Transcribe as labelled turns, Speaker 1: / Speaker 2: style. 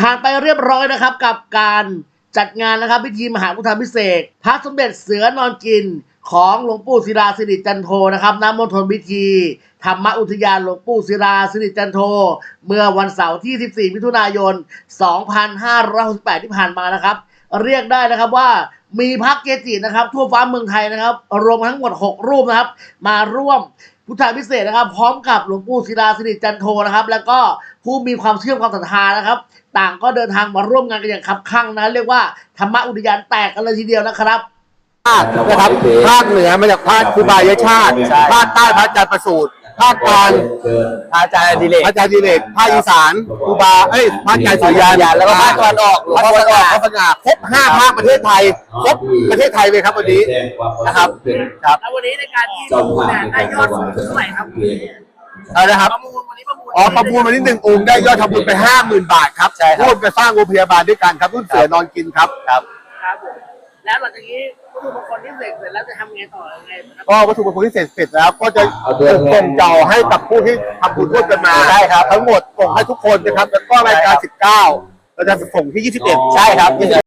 Speaker 1: ผ่านไปเรียบร้อยนะครับกับการจัดงานนะครับพิธีมหาพุทธาภิเษกพระสมเด็จเสือนอนกินของหลวงปู่ศิลาสิริจันโทนะครับณมณฑลพิธีธรรมอุทยานหลวงปู่ศิลาสิริจันโทเมื่อวันเสาร์ที่ 14 มิถุนายน 2568 ที่ผ่านมานะครับเรียกได้นะครับว่ามีพระเกจินะครับทั่วฟ้าเมืองไทยนะครับรวมทั้งหมด6รูปนะครับมาร่วมพุทธาภิเษกนะครับพร้อมกับหลวงปู่ศิลาสิริจันโทนะครับแล้วก็ผู้มีความเชื่อความศรัทธานะครับต่างก็เดินทางมาร่วมงานกันอย่างคับคั่งนะเรียกว่าธรรมอุทยานแตกกันเลยทีเดียวนะครับ
Speaker 2: นะครับภาคเหนือมาจากภาคครูบายชาติภาคใต้พระอาจารย์ประสูติภาคกลางพระอาจารย์ดิเรกภาคอีสานครูบาพระอาจารย์สุริยันแล้วก็ภาคตะวันออกพระสง่าครบ5ภาคประเทศไทยครบประเทศไทยเลยครับวันนี้นะครับ
Speaker 1: ครับแล้ววันนี้ในการที่ประมูลเนี่ยได้ยอดสูงเท่าไหร่ครับ
Speaker 2: นะครับประมูลวันนี้1 องค์ได้ยอดทำบุญไป 50,000 บาทครับร่วมกันสร้างโรงพยาบาลด้วยกันครับรุ่นเสือนอนกินครับ
Speaker 1: ครับแล้วหลังจากนี้วัตถุมงคลที่เสร็จแล้วจะทำไงต่อยังไง
Speaker 2: ก็วัตถุมงคลที่เสร็จแล้วก็จะส่งเจ้าให้กับผู้ที่ทำบุญร่วมกันมาได้ครับทั้งหมดส่งให้ทุกคนนะครับแล้วก็รายการ19เราจะส่งที่21ใช่ครับ